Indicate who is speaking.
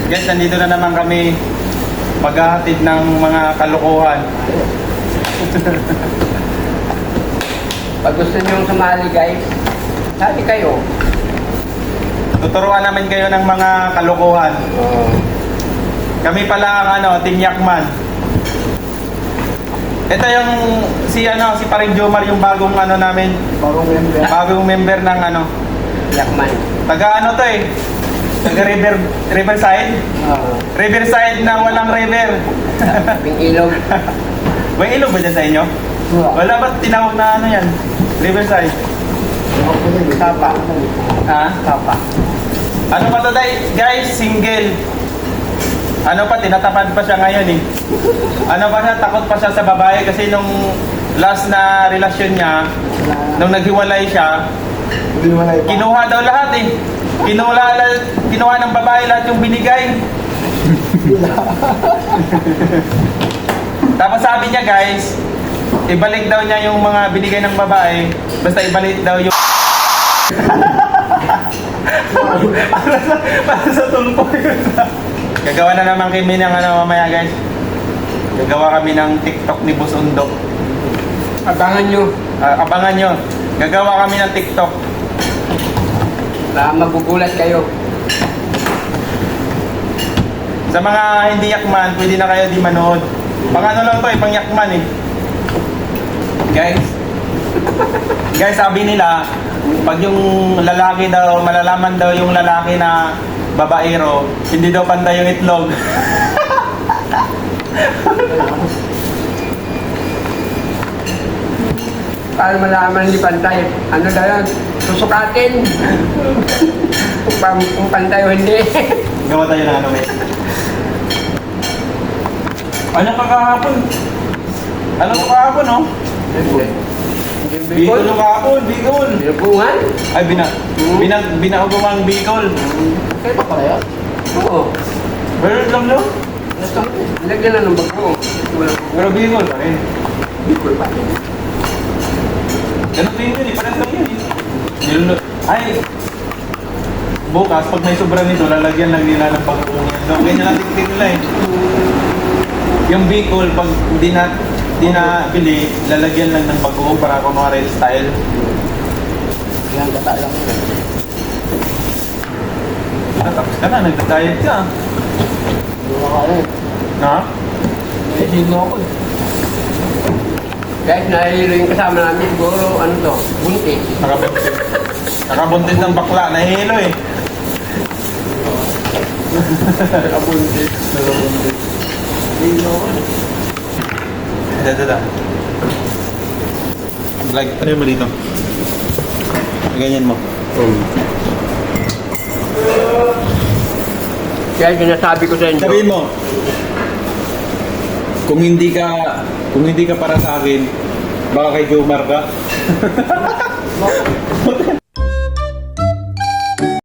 Speaker 1: Guys, nandito na naman kami maghahatid ng mga kalokohan.
Speaker 2: Pag gusto niyong sumali guys, sali kayo.
Speaker 1: Tuturuan namin kayo ng mga kalokohan. Kami pala ang Team Yakman. Ito yung si Paring Jomar, yung bagong namin, bagong member ng
Speaker 2: Yakman.
Speaker 1: taga to eh. Taga Riverside. Riverside na walang river.
Speaker 2: Ping ilog.
Speaker 1: May ilog ba dyan sa inyo? Wala ba tinawag na yan? Riverside.
Speaker 2: Tapa.
Speaker 1: Ha?
Speaker 2: Tapa.
Speaker 1: Ano pa to guys? Single. Tinatapad pa siya ngayon eh. Takot pa siya sa babae kasi nung last na relasyon niya, nung naghiwalay siya, kinuha daw lahat eh. Kinuha ng babae lahat yung binigay. Tapos sabi niya guys, ibalik daw niya yung mga binigay ng babae, basta ibalik daw yung para sa tulpo yun. Gagawa na naman kami ng mamaya guys. Gagawa kami ng TikTok ni Boss Undo.
Speaker 2: Abangan nyo.
Speaker 1: Abangan nyo. Gagawa kami ng TikTok.
Speaker 2: Magugulat kayo.
Speaker 1: Sa mga hindi yakman, pwede na kayo di manood. Pang lang to eh, pang yakman eh. Guys, sabi nila, pag yung lalaki daw, malalaman daw yung lalaki na babaero, hindi daw pantay yung itlog.
Speaker 2: Para malaman hindi pantay. Ano daw yan? Susukatin. Kung pantay o hindi.
Speaker 1: Gawa tayo ng eh. Ano kakahapon? Ano kakahapon, no? Bicol yung kahapon, Bicol.
Speaker 2: Binubungan?
Speaker 1: Ay, binaugumang Bicol.
Speaker 2: Kaya pa pala yan? Oo.
Speaker 1: Meron lang, no?
Speaker 2: Lagyan na ng bago.
Speaker 1: Pero Bicol pa rin.
Speaker 2: Bicol pa rin.
Speaker 1: Ganun din yun eh, parang lang yun eh. Ay, bukas, pag may sobra nito, lalagyan lang nila ng pag-uungan. No, ganyan lang tingin nila eh. Yung Bicol, pag di na bili, lalagyan lang ng pag-uong para kunwari style.
Speaker 2: Yan, gata lang yun.
Speaker 1: Tapos ka na, nagda-diet ka.
Speaker 2: Hindi mo kaya.
Speaker 1: Ha?
Speaker 2: Hindi mo ako eh. Kahit nahihilo yung kasama namin, siguro, buntis.
Speaker 1: Nakabuntis ng bakla, nahihilo eh.
Speaker 2: Nakabuntis. Hindi mo ako.
Speaker 1: Da. Vlog, ano mo dito? Ganyan mo.
Speaker 2: Kaya sinasabi ko sa inyo.
Speaker 1: Sabihin mo, kung hindi ka para sa akin, baka kay Jomar ka.